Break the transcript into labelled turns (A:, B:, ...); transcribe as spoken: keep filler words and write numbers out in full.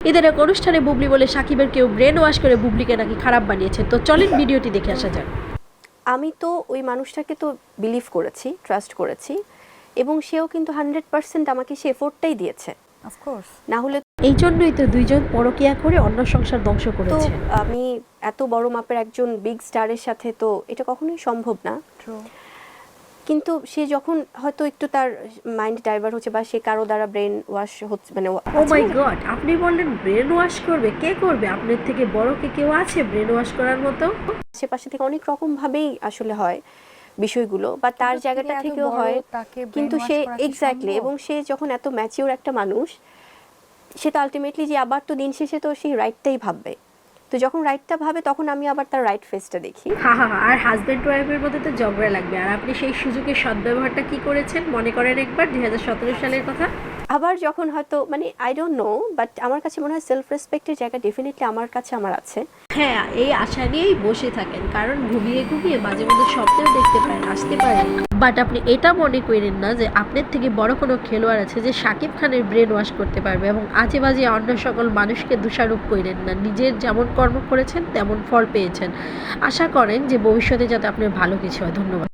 A: ঈদের এক অনুষ্ঠানে বুবলি বলে সাকিবের কেউ ব্রেন ওয়াশ করে বুবলিকে নাকি খারাপ বানিয়েছে। তো চলেন ভিডিওটি দেখে আসা যাক।
B: আমি তো ওই মানুষটাকে তো বিলিভ করেছি, ট্রাস্ট করেছি, এবং সেও কিন্তু হান্ড্রেড পার্সেন্ট আমাকে সে এফোর্টটাই দিয়েছে।
C: অফকোর্স
B: না হলে
A: এই জন্যই তো দুইজন পরকিয়া করে অন্য সংসার ধ্বংস
B: তো
A: করেছে।
B: আমি এত বড় মাপের একজন বিগ স্টারের সাথে তো এটা কখনোই সম্ভব না।
C: ট্রু।
B: কিন্তু সে যখন হয়তো একটু তার মাইন্ড ডাইভার্ট হচ্ছে বা সে কারো দ্বারা ব্রেন ওয়াশ হচ্ছে, মানে
A: ও
B: আছে
A: মাই
B: না?
A: গড, আপনি বললেন ব্রেন ওয়াশ করবে? কে করবে? আপনার থেকে বড় কে কেউ আছে ব্রেন ওয়াশ করার মতো?
B: আশেপাশে থেকে অনেক রকম ভাবেই আসলে হয় বিষয়গুলো, বা তার
C: কিন্তু
B: জায়গাটা
C: তিনি এত
B: থেকেও
C: বড়,
B: হয়।
C: তাকে
B: কিন্তু
C: brainwash
B: সে
C: করা কি
B: এক্স্যাক্টলি,
C: সম্ভব?
B: এবং সে যখন এত ম্যাচিওর একটা মানুষ, সে তো আলটিমেটলি যে আবার তো দিন শেষে তো সেই রাইটটাই ভাববে। তো যখন রাইটটা ভাবে তখন আমি আবার তার রাইট ফেসটা দেখি।
A: হা হা হা, আর হাজব্যান্ড ওয়াইফের মধ্যে তো ঝগড়া লাগবে। আর আপনি সেই সুযোগের সদ্ব্যবহারটা কি করেছেন মনে করেন একবার, দুই হাজার সতেরো সালের কথা।
B: আবার যখন হয়তো মানে আই ডোন্ট নো, বাট আমার কাছে মনে হয় সেলফ রেসপেক্টের জায়গা ডেফিনেটলি আমার কাছে আমার আছে।
A: হ্যাঁ, এই আশা নিয়েই বসে থাকেন, কারণ ঘুমিয়ে ঘুমিয়ে মাঝে মধ্যে স্বপ্নেও দেখতে পারেন, আসতে পারে। বাট আপনি এটা মনে করেন না যে আপনার থেকে বড় কোনো খেলোয়াড় আছে যে শাকিব খানের ব্রেন ওয়াশ করতে পারবে, এবং আজে বাজে অন্য সকল মানুষকে দোষারোপ করেন না। নিজের যেমন কর্ম করেছেন তেমন ফল পেয়েছেন। আশা করেন যে ভবিষ্যতে যাতে আপনার ভালো কিছু হয়। ধন্যবাদ।